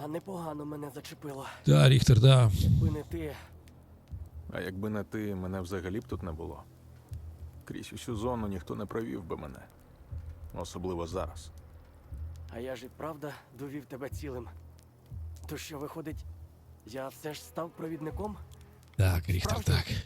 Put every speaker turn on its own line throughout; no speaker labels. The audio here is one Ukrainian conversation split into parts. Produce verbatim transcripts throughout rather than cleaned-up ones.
А непогано мене зачепило.
Да, Ріхтер, да.
Якби не ти.
А якби не ти, мене взагалі б тут не було. Крізь усю зону ніхто не провів би мене. Особливо зараз.
А я ж і правда довів тебе цілим. То що, виходить, я все ж став провідником?
Так, Ріхтер,
Справді?
так.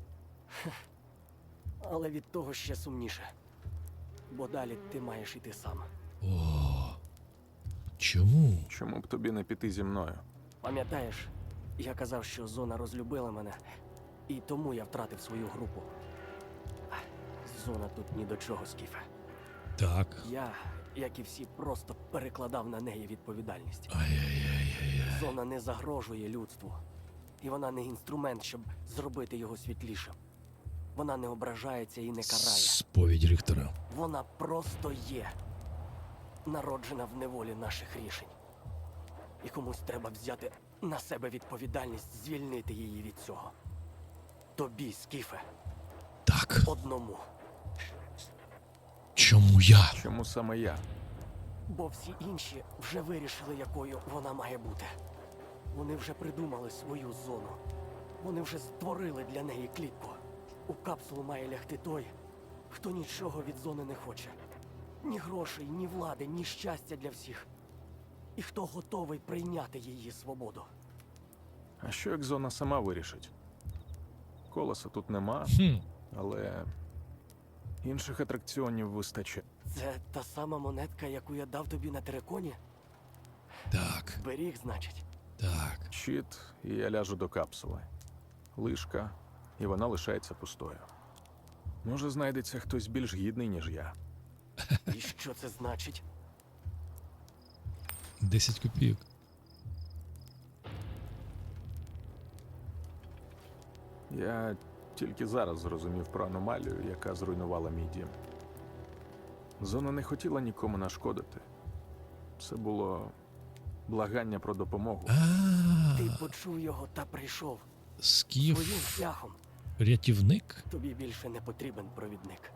Але від того ще сумніше. Бо далі ти маєш іти сам.
О. Чому?
Чому б тобі не піти зі мною?
Пам'ятаєш, я казав, що зона розлюбила мене, і тому я втратив свою групу. Зона тут ні до чого, Скіфе.
Так.
Я, як і всі, просто перекладав на неї відповідальність.
Ай-яй-яй-яй.
Зона не загрожує людству. І вона не інструмент, щоб зробити його світлішим. Вона не ображається і не карає.
Сповідь Ріхтера.
Вона просто є. Народжена в неволі наших рішень. І комусь треба взяти на себе відповідальність, звільнити її від цього. Тобі, Скіфе,
Так.
одному.
Чому я?
Чому саме я?
Бо всі інші вже вирішили, якою вона має бути. Вони вже придумали свою зону. Вони вже створили для неї клітку. У капсулу має лягти той, хто нічого від зони не хоче. Ні грошей, ні влади, ні щастя для всіх. І хто готовий прийняти її свободу.
А що як зона сама вирішить? Колеса тут нема,
Хм.
але інших атракціонів вистачає.
Це та сама монетка, яку я дав тобі на териконі?
Так.
Беріг, значить.
Так.
Щит, і я ляжу до капсули. Лишка, і вона лишається пустою. Може, знайдеться хтось більш гідний, ніж я.
І що це значить?
Десять копійок.
Я тільки зараз зрозумів про аномалію, яка зруйнувала мій дім. Зона не хотіла нікому нашкодити. Це було благання про допомогу.
А,
Ти почув його та прийшов. Своїм
Скіф.
шляхом.
Рятівник?
Тобі більше не потрібен провідник.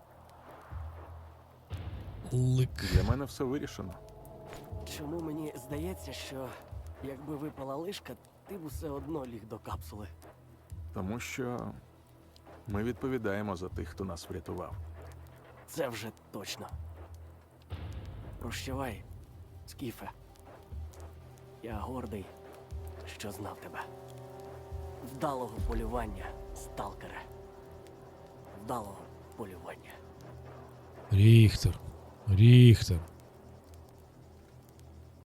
Лик.
Для мене все вирішено.
Чому мені здається, що якби випала лишка, ти б усе одно ліг до капсули.
Тому що ми відповідаємо за тих, хто нас врятував.
Це вже точно. Прощавай, Скіфе. Я гордий, що знав тебе. Вдалого полювання, сталкере. Вдалого полювання.
Ріхтер. Ріхтер.